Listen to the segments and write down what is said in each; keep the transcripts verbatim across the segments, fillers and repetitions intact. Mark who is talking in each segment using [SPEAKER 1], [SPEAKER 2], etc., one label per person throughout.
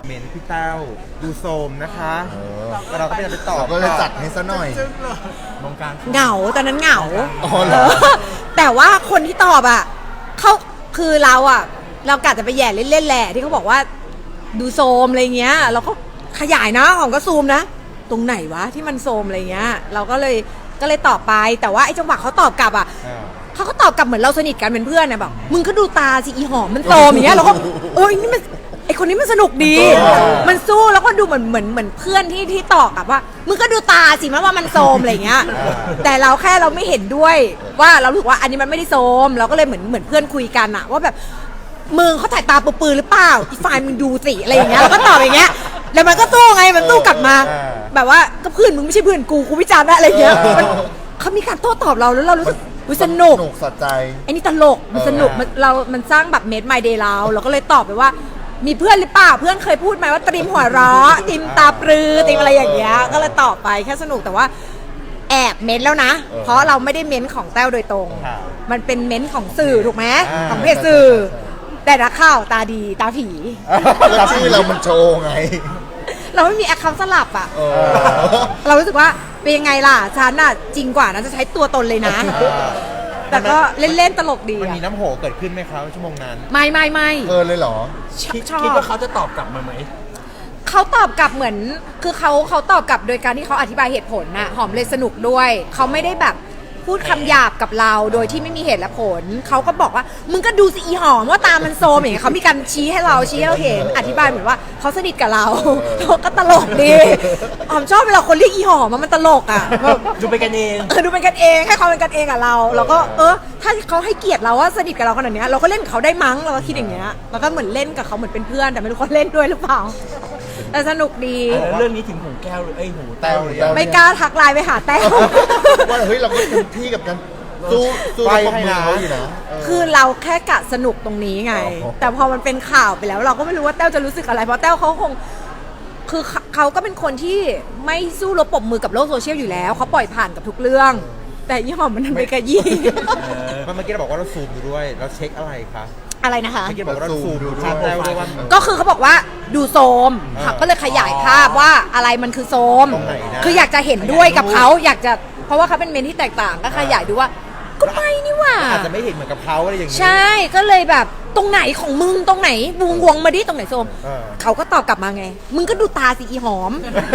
[SPEAKER 1] เมนพี่แต้วดูโซมนะคะแล้วเราก็ไปตอบ
[SPEAKER 2] ก็เลยจัดให้ซะหน่อย
[SPEAKER 1] มองการ
[SPEAKER 3] เหงาตอนนั้นเหงา
[SPEAKER 2] อ๋อเหรอ
[SPEAKER 3] แต่ว่าคนที่ตอบอ่ะเขาคือเราอ่ะเรากะจะไปแย่เล่นๆแหละที่เขาบอกว่าดูโซมอะไรเงี้ยเราก็ขยายนะของก็ซูมนะตรงไหนวะที่มันโซมอะไรเงี้ยเราก็เลยก็เลยตอบไปแต่ว่าไอ้จังหวะเขาตอบกลับอ่ะเขาก็ตอบกลับเหมือนเราสนิทกันเป็นเพื่อนนะแบบมึงก็ดูตาสิอีหอมมันโซมอย่างเงี้ยเราก็เอ้ยนี่มันไอคนนี้มันสนุกดี มันสู้แล้วก็ดูเหมือนเหมือนเหมือนเพื่อนที่ที่ตอบกลับว่ามึงก็ดูตาสิมันว่ามันโซมอะไรเงี้ยแต่เราแค่เราไม่เห็นด้วยว่าเราถือว่าอันนี้มันไม่ได้โซมเราก็เลยเหมือนเหมือนเพื่อนคุยกันอะว่าแบบมึงเขาถ่ายตาปื้อๆหรือเปล่าอีฝ่ายมึงดูสิอะไรอย่างเงี้ยเราก็ตอบอย่างเงี้ยแล้วมันก็สู้ไงมันสู้กลับมาแบบว่าก็เพื่อนมึงไม่ใช่เพื่อนกูกูวิจารณ์ได้อะไรเงี้ยเขามีการโต้ตอบเราแล้วเรารู้สึกสนุก
[SPEAKER 2] สนุกสะใจ
[SPEAKER 3] ไอ้นี่ตลกมันสนุกมันเรา มันสร้างแบบเมดไมเดย์เราเราก็เลยตอบไปว่ามีเพื่อนหรือเปล่าเพื่อนเคยพูดไหมว่าตริมหัวเราะตริมตาปรือตริมอะไรอย่างเงี้ยก็เลยตอบไปแค่สนุกแต่ว่าแอบเม้นแล้วนะเพราะเราไม่ได้เม้นของแต้วโดยตรงมันเป็นเม้นของสื่อถูกไหมของเพจสื่อแต่นักข่าวตาดีตาผี
[SPEAKER 2] ชื่อเรามันโชว์ไง
[SPEAKER 3] เราไม่มีแอคเคาท์สลับอ่ะเรารู้สึกว่าเป็นยังไงล่ะฉันอ่ะจริงกว่านะจะใช้ตัวตนเลยนะแต่ก็เล่นๆตลกดี
[SPEAKER 1] มันมีน้ำโหเกิดขึ้นไหมครับชั่วโมงนั้น
[SPEAKER 3] ไม่ไม่ไม่
[SPEAKER 2] เออเลยเหรอ
[SPEAKER 3] ชอบ
[SPEAKER 1] คิดว่าเขาจะตอบกลับมาไหม
[SPEAKER 3] เขาตอบกลับเหมือนคือเขาเขาตอบกลับโดยการที่เขาอธิบายเหตุผลน่ะหอมเลยสนุกด้วยเขาไม่ได้แบบพูดคำหยาบกับเราโดยที่ไม่มีเหตุและผลเขาก็บอกว่ามึงก็ดูสิอีหอมว่าตามันโซมอย่างเงี้ยเขามีการชี้ให้เราชี้ให้เราเห็นอธิบายเหมือนว่าเขาสนิทกับเราก็ตลกดีหอมชอบเวลาคนเรียกอีหอมมันตลกอ่ะ
[SPEAKER 1] ดูเป็นกันเอง
[SPEAKER 3] เออดูเป็นกันเองให้เขาเป็นกันเองกับเราเราก็เออถ้าเขาให้เกียรติเราว่าสนิทกับเราขนาดนี้เราก็เล่นกับเขาได้มั้งเราก็คิดอย่างเงี้ยแล้วก็เหมือนเล่นกับเขาเหมือนเป็นเพื่อนแต่ไม่รู้เขาเล่นด้วยหรือเปล่าแต่สนุกดี
[SPEAKER 1] เรื่องนี้ถึงหูแก้วหรือไอ้หูแต้วหรือ
[SPEAKER 3] ไม่กล้าทักไลน์ไปหาแต้ว
[SPEAKER 2] ว่าเฮ้ยเราก็เต็มที่กับการสู้สู้กับมือเขาอยู่นะ
[SPEAKER 3] คือเราแค่กะสนุกตรงนี้ไงแต่พอมันเป็นข่าวไปแล้วเราก็ไม่รู้ว่าแต้วจะรู้สึกอะไรเพราะแต้วเขาคงคือเขาก็เป็นคนที่ไม่สู้รบปรบมือกับโลกโซเชียลอยู่แล้วเขาปล่อยผ่านกับทุกเรื่องแต่ยี่ห้อมันไปกระยี่
[SPEAKER 1] เมื่อกี้เราบอกว่าเราซูมดูด้วยเราเช็คอะไรคะ
[SPEAKER 3] อะไรนะคะ
[SPEAKER 1] เมื่อกี้บอกว่าเราซูมดูภาพแล้วด้วยว่า
[SPEAKER 3] ก็คือเขาบอกว่าดูโซมก็เลยขยายภาพว่าอะไรมันคือโซมคืออยากจะเห็นด้วยกับเขาอยากจะเพราะว่าเขาเป็นเมนที่แตกต่างก็ขยายดูว่าก็ไม่นี่ว่า
[SPEAKER 1] อาจจะไม่เห็นเหมือนกับเขาอะไรอย่างนี้
[SPEAKER 3] ใช่ก็เลยแบบตรงไหนของมึงตรงไหนวงวงมาดิตรงไหนโซมเขาก็ตอบกลับมาไงมึงก็ดูตาสิอีหอม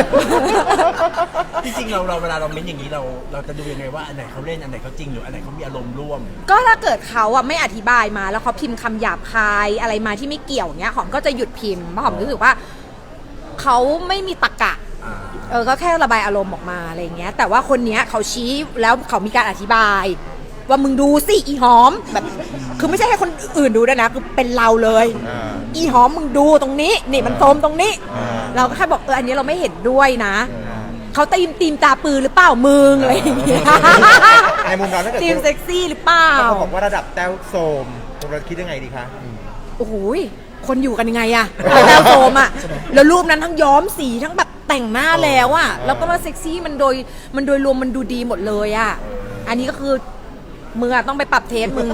[SPEAKER 1] จริงๆเราเราเวลาเราเม้นอย่างนี้เราเราจะดูยังไงว่าอันไหนเขาเล่นอันไหนเขาจริงหรืออันไหนเขามีอารมณ์ร่วม
[SPEAKER 3] ก็ถ้าเกิดเขาอ่ะไม่อธิบายมาแล้วเขาพิมพ์คำหยาบคายอะไรมาที่ไม่เกี่ยวเงี้ยหอมก็จะหยุดพิมพ์เพราะหอมรู้สึกว่าเขาไม่มีตรรกะเออก็แค่ระบายอารมณ์ออกมาอะไรเงี้ยแต่ว่าคนเนี้ยเขาชี้แล้วเขามีการอธิบายว่ามึงดูสิอีหอมแบบคือไม่ใช่ให้คนอื่นดูด้วยนะคือเป็นเราเลยอีหอมมึงดูตรงนี้นี่มันโซมตรงนี้เราก็แค่บอกเอออันนี้เราไม่เห็นด้วยนะเขาตีมตีมตาปือหรือเปล่ามึงอะไรอย่างเงี้ย
[SPEAKER 1] ในมุมเราถ้าเกิด
[SPEAKER 3] ตีมเซ็กซี่หรือเปล่า
[SPEAKER 1] เขาบอกว่าระดับแต้วโซมเราคิดยังไงดีคะ
[SPEAKER 3] โอ้โหคนอยู่กันยังไงอะแต้วโซมอะแล้วรูปนั้นทั้งย้อมสีทั้งแบบแต่งหน้าแล้วอะแล้วก็มาเซ็กซี่มันโดยมันโดยรวมมันดูดีหมดเลยอะอันนี้ก็คือมึงอะต้องไปปรับเทสมึง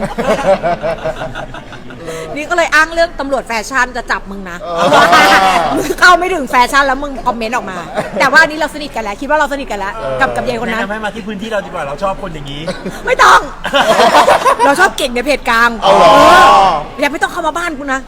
[SPEAKER 3] นี่ก็เลยอ้างเรื่องตำรวจแฟชั่นจะจับมึงนะมึงเข้าไม่ถึงแฟชั่นแล้วมึงคอมเมนต์ออกมาแต่ว่านี้เราสนิทกันแล้วคิดว่าเราสนิทกันแล้วกับกับยายคนนั้น
[SPEAKER 1] แนะนำให้มาที่พื้นที่เราดีกว่าเราชอบคนอย่างนี้
[SPEAKER 3] ไม่ต้อง เราชอบเก่งในเพจกลางอย่าไม่ต้องเข้ามาบ้านกูนะ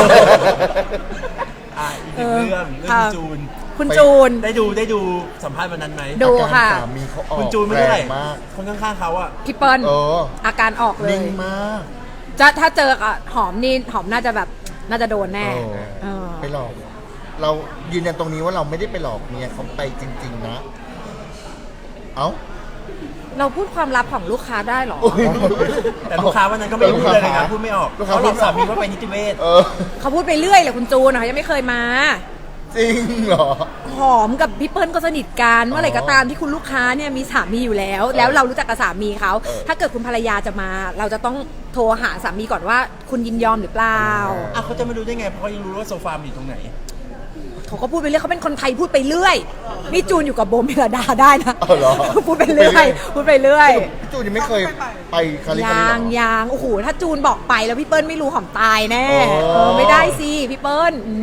[SPEAKER 1] อีกเรื่องเรื่องจูน
[SPEAKER 3] คุณจูน
[SPEAKER 1] ได้ดูได้ดูสัมภาษณ์วันนั้นไหม
[SPEAKER 3] ดูค่ะ
[SPEAKER 1] คุณจูนไม่เท่าไหร่คนข้างๆเขาอะ
[SPEAKER 3] พี่เปิ้ลอาการออกเลย
[SPEAKER 2] นิ่งมาก
[SPEAKER 3] จะถ้าเจอหอมนี่หอมน่าจะแบบน่าจะโดนแน่
[SPEAKER 2] ไปหลอกเรายืนยันตรงนี้ว่าเราไม่ได้ไปหลอกเมียเขาไปจริงๆนะเอ้า
[SPEAKER 3] เราพูดความลับของลูกค้าได้หรอ
[SPEAKER 1] แต่ลูกค้าวันนั้นก็ไม่พูดเลยนะพูดไม่ออกเขาหลอกสามีว่าไปนิติเวช
[SPEAKER 3] เขาพูดไปเรื่อยเลยคุณจูนนะคะยังไม่เคยมา
[SPEAKER 2] จริงเหรอ
[SPEAKER 3] หอมกับพี่เปิ้ลก็สนิทกันเมื่อไหร่ก็ตามที่คุณลูกค้าเนี่ยมีสามีอยู่แล้วแล้วเรารู้จักกับสามีเขาถ้าเกิดคุณภรรยาจะมาเราจะต้องโทรหาสามีก่อนว่าคุณยินยอมหรือเปล่า
[SPEAKER 1] อ่ะเขาจะไม่รู้ได้ไงเพราะเขายังรู้ว่าโซฟาอยู่ตรงไหน
[SPEAKER 3] เขาก็พูดไปเรื่อยเขาเป็นคนไทยพูดไปเรื่อยนี่จูนอยู่กับโบเมลดาได้นะพูดไปเรื่อยพูดไปเรื่อย
[SPEAKER 2] พี่จูนยังไม่เคยไปคาลิฟอร์เนีย
[SPEAKER 3] ยางยางโอ้โหถ้าจูนบอกไปแล้วพี่เปิ้ลไม่รู้หอมตายแน่ไม่ได้สิพี่เปิ้ล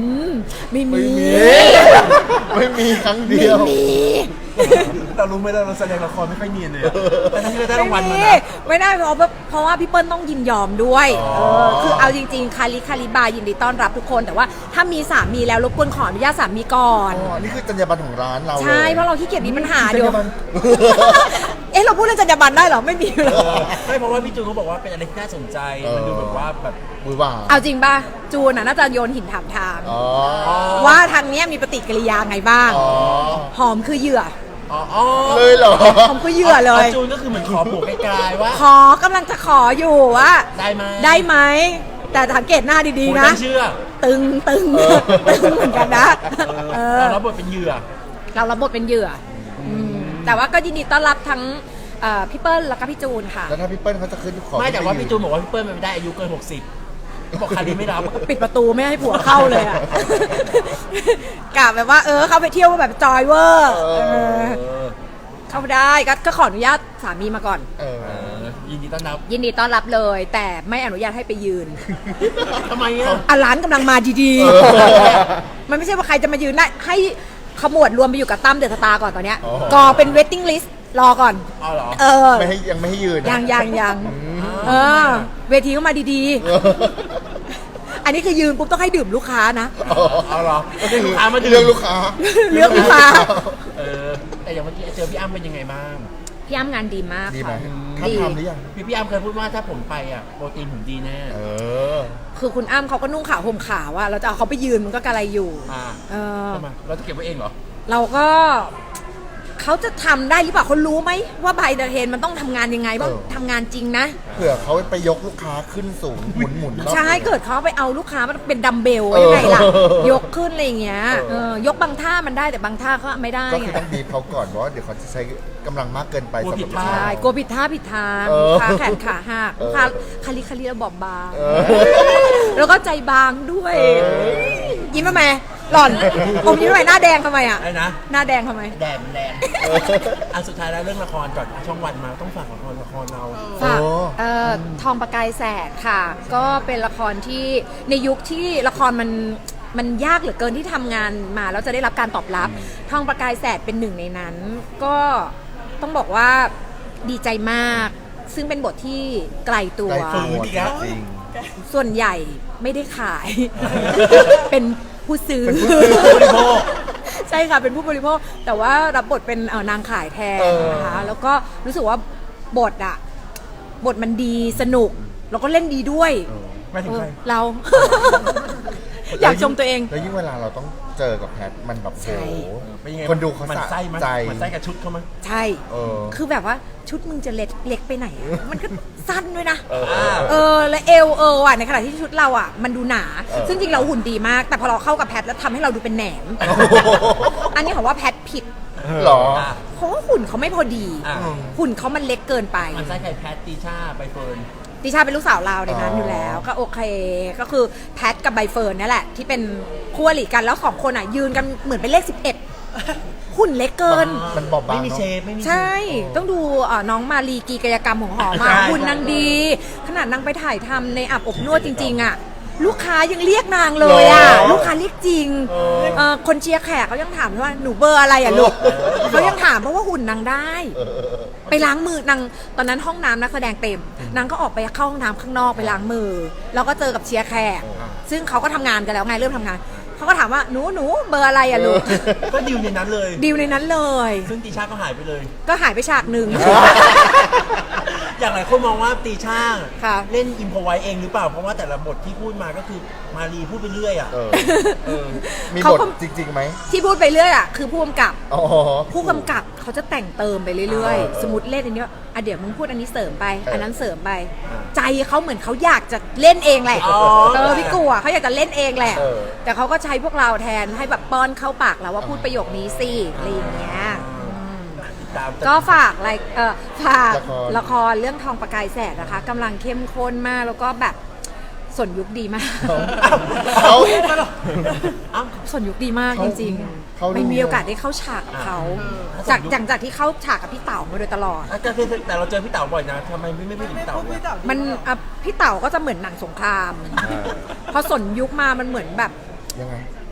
[SPEAKER 3] ไม่มี
[SPEAKER 2] ไม่มีครั้งเดียว
[SPEAKER 1] เรารู้ไหมเราเราแสดงละครไม่ค่อยเนียนเลยอะแต่ทั้งที่เราได้รางวัลมา
[SPEAKER 3] ไม่
[SPEAKER 1] นะ
[SPEAKER 3] ไม่ได้เพราะว่าเพราะว่าพี่เปิ้ลต้องยินยอมด้วย
[SPEAKER 1] อ๋อ
[SPEAKER 3] เออคือเอาจริงๆคาริคาริบายินดีต้อนรับทุกคน แต่ว่าถ้ามีสามีแล้วรบกวนขออนุญาตสามีก่อน
[SPEAKER 2] อ๋อ นี่คือจรรยาบรรณของร้านเรา
[SPEAKER 3] ใช่ เพราะเราขี้เกียจมีปัญหา
[SPEAKER 2] จร
[SPEAKER 3] เดี๋ย
[SPEAKER 2] ร
[SPEAKER 3] วย
[SPEAKER 2] าบรรณ
[SPEAKER 3] เอ๊ะเราพูดเรื่องจรรยาบรรณได้เหรอไม่มีเลย
[SPEAKER 1] ไม่เพราะว่าพี่จูนเขาบอกว่าเป็นอะไรที่น่าสนใจ
[SPEAKER 2] เออ
[SPEAKER 1] มันดูแบบว่าแบบ
[SPEAKER 2] มือว่า
[SPEAKER 3] เอาจริงป่ะจูนน่ะน่าจะโยนหินถามทาง
[SPEAKER 2] อ๋อ
[SPEAKER 3] ว่าทางเนี้ยมีปฏิกิริยาไงบ้าง
[SPEAKER 2] อ๋อ
[SPEAKER 3] หอมคือเหยื่อ
[SPEAKER 1] อ๋ออ๋อ
[SPEAKER 2] เลยเหรอ
[SPEAKER 3] หอมคือเหยื่อเลย
[SPEAKER 1] จูนก็คือเหมือนขอผูกไกลๆว่า
[SPEAKER 3] ขอกำลังจะขออยู่ว่า
[SPEAKER 1] ได้ไหม
[SPEAKER 3] ได้ไหมแต่สังเกตหน้าดี
[SPEAKER 1] ผม
[SPEAKER 3] ๆนะ
[SPEAKER 1] ไม่เชื่อ
[SPEAKER 3] ตึงตึง
[SPEAKER 2] เออ
[SPEAKER 3] ตึงเหมือนกันนะ
[SPEAKER 1] เอ
[SPEAKER 3] เอ
[SPEAKER 1] อ
[SPEAKER 3] อ
[SPEAKER 1] เราบทเป็นเหยื่อ
[SPEAKER 3] เรารับบทเป็นเหยื่ออมแต่ว่าก็ยินดีต้อนรับทั้งเอ่อพี่เปิ้ลแล้วก็พี่จูนค่ะ
[SPEAKER 2] แล้วถ้าพี่เปิ้ลเขาจะขึ้นขอ
[SPEAKER 1] ไม่แต่ว่า
[SPEAKER 2] ขึ้
[SPEAKER 1] พี่จูนบอกว่าพี่เปิ้ลมันไม่ได้อายุเกินหกสิบบอกคาริไม่รับ
[SPEAKER 3] ปิดประตูไม่ให้ผัวเข้าเลยอ่ะ กะแบบว่าเออเข้าไปเที่ยวแบบจอยเวอร์
[SPEAKER 2] เอ
[SPEAKER 3] เออ
[SPEAKER 1] เออ
[SPEAKER 3] เข้าไปได้ก็ก็ขออนุญาตสามีมาก่อน
[SPEAKER 2] เออ
[SPEAKER 1] เออยินดีต้อนรับ
[SPEAKER 3] ยินดีต้อนรับเลย แต่ไม่อนุญาตให้ไปยืน
[SPEAKER 1] ทำไมอ่ะ
[SPEAKER 3] อ่ะร้านกำลังมาดี
[SPEAKER 2] เออ
[SPEAKER 3] ๆ มันไม่ใช่ว่าใครจะมายืนได้ให้ขมวดรวมไปอยู่กับตั้มเดอะสตาร์ก่อนตอนเนี้ย
[SPEAKER 2] อ๋อ
[SPEAKER 3] กอเป็นเวทติ้งลิสต์รอก่อน
[SPEAKER 1] อ๋อเหรอ
[SPEAKER 3] เออ
[SPEAKER 2] ไม่ให้ยังไม่ให้ยืนนะ
[SPEAKER 3] ยังยังยัง
[SPEAKER 2] อืม
[SPEAKER 3] เออ เวทีก็มาดีๆ อันนี้คือยืนปุ๊บต้องให้ดื่มลูกค้านะ
[SPEAKER 2] อ๋อ
[SPEAKER 1] เอาเหรอก็คือลูกค้ามาดื่ม
[SPEAKER 2] เรื่องลูกค้า
[SPEAKER 3] เรื่องลูกค้า
[SPEAKER 1] เออแต่อย่างเมื่อกี้เจอพี่อ้ำเป็นยังไงบ้าง
[SPEAKER 3] พี่อ้ำงานดีมาก
[SPEAKER 2] ดีไหม
[SPEAKER 3] ค่ะ
[SPEAKER 2] ท่านทำหรือยัง
[SPEAKER 1] พี่พี่อ้ำเคยพูดว่าถ้าผมไปอ่ะโปรตีนผมดีแน่
[SPEAKER 2] เออ
[SPEAKER 3] คือคุณอ้ำเขาก็นุ่งขาวห่มขาวอะเราจะเอาเขาไปยืนมันก็กระไรอยู่
[SPEAKER 1] อ่า
[SPEAKER 3] เออ
[SPEAKER 1] ทำไมเราจะเก็บไว้เองเหรอ
[SPEAKER 3] เราก็เขาจะทำได้หรือเปล่าเขารู้ไหมว่าไบเดอร์เทนมันต้องทำงานยังไงบ้าง
[SPEAKER 2] เออ
[SPEAKER 3] ทำงานจริงนะ
[SPEAKER 2] เผื่อเขาไปยกลูกค้าขึ้นสูงหมุนหมุนๆรอบ
[SPEAKER 3] ใช่
[SPEAKER 2] ตัว
[SPEAKER 3] เกิดเขาไปเอาลูกค้ามันเป็นดัมเบล
[SPEAKER 2] เออ
[SPEAKER 3] ยังไงล่ะ ยกขึ้นอะไรอย่างเงี้ย
[SPEAKER 2] เออ
[SPEAKER 3] เออยกบางท่ามันได้แต่บางท่าก็ไม่ได้
[SPEAKER 2] ก็
[SPEAKER 3] ไง
[SPEAKER 2] คือต้องดีบเขาก่อนเพราะว่าเดี๋ยวเขาจะใช้กำลังมากเกินไป
[SPEAKER 1] กลัว
[SPEAKER 2] สำห
[SPEAKER 1] ผิ
[SPEAKER 2] รับ
[SPEAKER 1] ด
[SPEAKER 2] ลูก
[SPEAKER 1] ท่า
[SPEAKER 2] ค้า
[SPEAKER 3] ใช่กลัวผิดท่าผิดทาง
[SPEAKER 2] เออ
[SPEAKER 3] ขาแขนขาหัก
[SPEAKER 2] เออ
[SPEAKER 3] ขาคาลิคาลิแล้วบอบบาง
[SPEAKER 2] เออ
[SPEAKER 3] แล้วก็ใจบางด้วย
[SPEAKER 2] เออ
[SPEAKER 3] ยิ้มทำไมหล่อนอมยิ้มทำไมหน้าแดงทำไมอ่ะ
[SPEAKER 1] ไอ้นะ
[SPEAKER 3] หน้าแดงทำไม
[SPEAKER 1] แดดมันแรง อันสุดท้ายแล้วเรื่องละครก่อนช่องวันมาต้องฝากละครละครเรา
[SPEAKER 3] ฝาก
[SPEAKER 2] โอ้
[SPEAKER 3] เอ่อทองประกายแสดค่ะ ก็เป็นละครที่ในยุคที่ละครมันมันยากเหลือเกินที่ทำงานมาแล้วจะได้รับการตอบรับ ทองประกายแสดเป็นหนึ่งในนั้น ก็ต้องบอกว่าดีใจมาก ซึ่งเป็นบทที่ไกลตัว
[SPEAKER 2] ใกล้ตัว
[SPEAKER 1] อีกแล้ว
[SPEAKER 2] จริง
[SPEAKER 3] ส่วนใหญ่ไม่ได้ขาย เป็นผู้ซื้อ
[SPEAKER 2] เป็นผู้ซื้อ
[SPEAKER 1] ผู้บริโภค
[SPEAKER 3] ใช่ค่ะ เป็นผู้บริโภค แต่ว่ารับบทเป็นเอ่อนางขายแทน
[SPEAKER 2] เออ
[SPEAKER 3] นะคะ แล้วก็รู้สึกว่าบทอะบทมันดีสนุก แล้วก็เล่นดีด้วย
[SPEAKER 1] ไม่ถึงใคร
[SPEAKER 3] เออเรา อยากชมตัวเอง
[SPEAKER 2] แล้วยิ่งเวลาเราต้องเจอกับแพทมันแบบ
[SPEAKER 3] ใช่
[SPEAKER 2] โอ้โห
[SPEAKER 1] เป็นยังไง
[SPEAKER 2] คนดูเขา
[SPEAKER 1] มัน
[SPEAKER 2] สะ
[SPEAKER 1] ไส้มั้ย
[SPEAKER 2] ใจ
[SPEAKER 1] มันไส้กับชุดเขามั้ย
[SPEAKER 3] ใช่
[SPEAKER 2] เออ
[SPEAKER 3] คือแบบว่าชุดมึงจะเล็กเล็กไปไหนอะมันก็สั้นด้วยนะ
[SPEAKER 2] เออ
[SPEAKER 3] เออ และเอวเออว่ะในขณะที่ชุดเราอ่ะ มันดูหนา
[SPEAKER 2] เออ
[SPEAKER 3] ซึ่งจริงเราหุ่นดีมาก แต่พอเราเข้ากับแพทแล้วทำให้เราดูเป็นแหนม อันนี้ของว่าแพทผิด
[SPEAKER 2] หรอ
[SPEAKER 1] อ่ะ
[SPEAKER 3] เพราะว่าหุ่นเขาไม่พอดี
[SPEAKER 1] อ่ะ
[SPEAKER 3] หุ่นเขามันเล็กเกินไป
[SPEAKER 1] มันไส้ไข่แพทตีชาใบเฟิร์น
[SPEAKER 3] ดิชาเป็นลูกสาวเราในนั้น
[SPEAKER 2] อ๋อ
[SPEAKER 3] อ
[SPEAKER 2] อ
[SPEAKER 3] ยู่แล้ว ก็โอเค ก็คือแพทกับใบเฟิร์นนี่แหละ ที่เป็นคู่อริกันแล้วสองคนอ่ะ ยืนกันเหมือนเป็นเลขสิบเอ็ดหุ่นเล็กเกิน
[SPEAKER 2] มันบอบบาง
[SPEAKER 1] ไม่มี
[SPEAKER 2] เนอะ
[SPEAKER 1] เชฟไม่มีเชฟ
[SPEAKER 3] ใช่ ต้องดูเอ่อน้องมาลีกีกายกรรมของหอมา
[SPEAKER 1] ใช่
[SPEAKER 3] หุ่นนางดี ขนาดนางไปถ่ายทำในอาบอบนวดจริง ๆ อ่ะ ลูกค้ายังเรียกนางเลยอ่ะ
[SPEAKER 2] เหรอ
[SPEAKER 3] ลูกค้าเรียกจริงเอ่อคนเชียร์แขกเขายังถามว่าหนูเบอร์อะไรอ่ะลูกเขายังถามเพราะว่าหุ่นนางได้
[SPEAKER 2] เออเออเออ
[SPEAKER 3] ไปล้างมือนางตอนนั้นห้องน้ำนักแสดงเต็มนางก็ออกไปเข้าห้องน้ำข้างนอกไปล้างมือ แล้วก็เจอกับเชียร์แขก ซึ่งเขาก็ทำงานกันแล้วไงเริ่มทำงานเขาก็ถามว่าหนูหนูเบอร์อะไรอ่ะลูก
[SPEAKER 1] ก็ดิวในนั้นเลย
[SPEAKER 3] ดีลในนั้นเลย
[SPEAKER 1] ซึ่งตีชาก็หายไปเลย
[SPEAKER 3] ก็หายไปฉากหนึ่ง
[SPEAKER 1] อย่างหลายคนมองว่าตีชา
[SPEAKER 3] ค่ะ
[SPEAKER 1] เล่นอิมพอไว้เองหรือเปล่า เพราะว่าแต่ละบทที่พูดมาก็คือมารีพูดไปเรื่อยอ่ะ
[SPEAKER 2] เออ
[SPEAKER 1] เออ
[SPEAKER 2] มี
[SPEAKER 3] เขา
[SPEAKER 2] บท
[SPEAKER 3] ก็
[SPEAKER 2] จริงๆไหม
[SPEAKER 3] ที่พูดไปเรื่อยอ่ะคือผู้กำกับ
[SPEAKER 2] อ๋อ
[SPEAKER 3] ผู้กำกับเขาจะแต่งเติมไปเรื่อย
[SPEAKER 2] เออ
[SPEAKER 3] ๆ สมมติเล่นอันนี้ว่าอ่ะเดี๋ยวมึงพูดอันนี้เสริมไป
[SPEAKER 2] เอออั
[SPEAKER 3] อันนั้นเสริมไป
[SPEAKER 1] อ่า
[SPEAKER 3] ใจเขาเหมือนเขาอยากจะเล่นเองแหละ
[SPEAKER 1] อ๋อ
[SPEAKER 3] เออพี่กูอ่ะเขาอยากจะเล่นเองแหละ
[SPEAKER 2] เออ
[SPEAKER 3] แต่เขาก็ใช้พวกเราแทนให้แบบป้อนเข้าปากเราว่าพูดประโยคนี้สิอะไรอย่างเงี้ยอืม
[SPEAKER 1] ตาม
[SPEAKER 3] ก็ฝากอะไรเออฝาก
[SPEAKER 2] ละคร
[SPEAKER 3] ละครเรื่องทองประกายแสดนะคะกำลังเข้มข้นมากแล้วก็แบบสนยุคดีมาก
[SPEAKER 2] เขา
[SPEAKER 1] เอ้า
[SPEAKER 3] สนยุคดีมาก
[SPEAKER 2] เขา
[SPEAKER 3] จริง
[SPEAKER 2] เขา
[SPEAKER 3] ๆ
[SPEAKER 2] รู้
[SPEAKER 3] ไม่มีโอกาสได้เข้าฉากกับเขา
[SPEAKER 1] อ่า
[SPEAKER 3] จากจากจากที่เข้าฉากกับพี่เต๋ามาโดยตลอด
[SPEAKER 1] แต่แต่เราเจอพี่เต๋าบ่อยนะทำไมไม่ไม่พูดถึงพี่เต๋าเนี่ย
[SPEAKER 3] มันอ่ะพี่เต๋าก็จะเหมือนหนังสงคราม
[SPEAKER 2] อ่า
[SPEAKER 3] พอสนยุคมามันเหมือนแบบ
[SPEAKER 2] ยังไง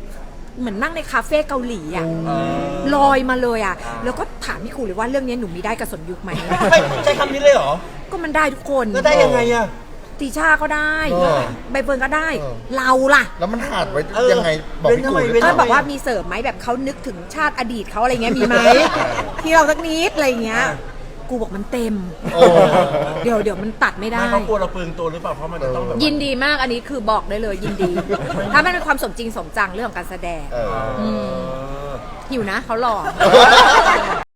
[SPEAKER 3] เหมือนนั่งในคาเฟ่เกาหลีอ่ะ
[SPEAKER 1] เออ
[SPEAKER 3] ลอยมาเลยอ่ะแล้วก็ถามพี่ครูเลยว่าเรื่องนี้หนูมีได้กับสนยุคไหม
[SPEAKER 1] ไม่ใช้คำนี้เลยเหรอ
[SPEAKER 3] ก็มันได้ทุกคน
[SPEAKER 1] แล้วได้ยังไงอะ
[SPEAKER 3] ตีชาก็ได้
[SPEAKER 2] เออ
[SPEAKER 3] ใบเฟิร์นก็ได้
[SPEAKER 2] เออ
[SPEAKER 3] เราล่ะ
[SPEAKER 2] แล้วมันขาดไว้
[SPEAKER 1] เออ
[SPEAKER 2] ยังไงบอกพี่กู
[SPEAKER 1] เว้นทำไมเว้น
[SPEAKER 3] ก็
[SPEAKER 1] ทำไม
[SPEAKER 3] บอกว่ามีเสริมไหมแบบเขานึกถึงชาติอดีตเขาอะไรเงี้ยมีไหม ที่เราสักนิดอะไรเงี้ย กูบอกมันเต็ม
[SPEAKER 2] โอ้
[SPEAKER 3] เดี๋ยวเดี๋ยวมันตัดไม่ได้
[SPEAKER 1] ไม่เขากลัวเราเปลืองตัวหรือเปล่าเพราะมันจะต้องแบบว่า
[SPEAKER 3] ยินดีมากอันนี้คือบอกได้เลยยินดี ถ้ามันเป็นความสมจริงสมจังเรื่องของการแสดง
[SPEAKER 2] เออ
[SPEAKER 1] เออ
[SPEAKER 3] หิวนะเขาหล่อ